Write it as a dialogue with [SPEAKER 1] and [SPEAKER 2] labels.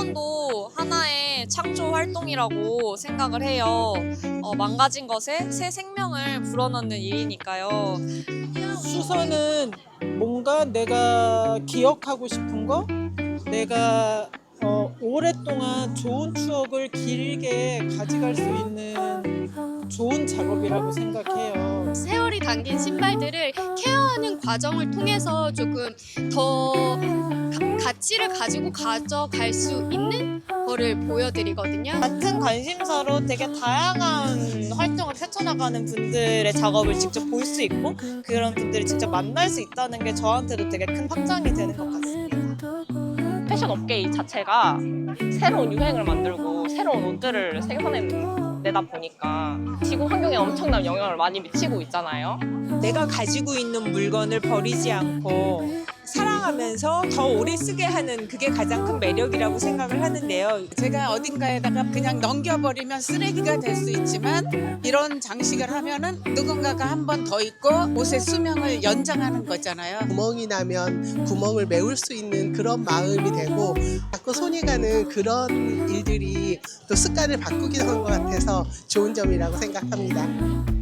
[SPEAKER 1] 패션도 하나의 창조 활동이라고 생각을 해요. 망가진 것에 새 생명을 불어넣는 일이니까요.
[SPEAKER 2] 수선은 뭔가 내가 기억하고 싶은 거, 내가 오랫동안 좋은 추억을 길게 가져갈 수 있는 좋은 작업이라고 생각해요.
[SPEAKER 3] 세월이 담긴 신발들을 케어하는 과정을 통해서 조금 더 가치를 가지고 가져갈 수 있는 거를 보여드리거든요.
[SPEAKER 4] 같은 관심사로 되게 다양한 활동을 펼쳐나가는 분들의 작업을 직접 볼 수 있고 그런 분들을 직접 만날 수 있다는 게 저한테도 되게 큰 확장이 되는 것 같습니다.
[SPEAKER 5] 패션 업계 자체가 새로운 유행을 만들고 새로운 옷들을 생산해내다 보니까 지구 환경에 엄청난 영향을 많이 미치고 있잖아요.
[SPEAKER 6] 내가 가지고 있는 물건을 버리지 않고 사랑하면서 더 오래 쓰게 하는 그게 가장 큰 매력이라고 생각을 하는데요.
[SPEAKER 7] 제가 어딘가에다가 그냥 넘겨버리면 쓰레기가 될 수 있지만 이런 장식을 하면은 누군가가 한 번 더 입고 옷의 수명을 연장하는 거잖아요.
[SPEAKER 8] 구멍이 나면 구멍을 메울 수 있는 그런 마음이 되고 자꾸 손이 가는 그런 일들이 또 습관을 바꾸기도 한 것 같아서 좋은 점이라고 생각합니다.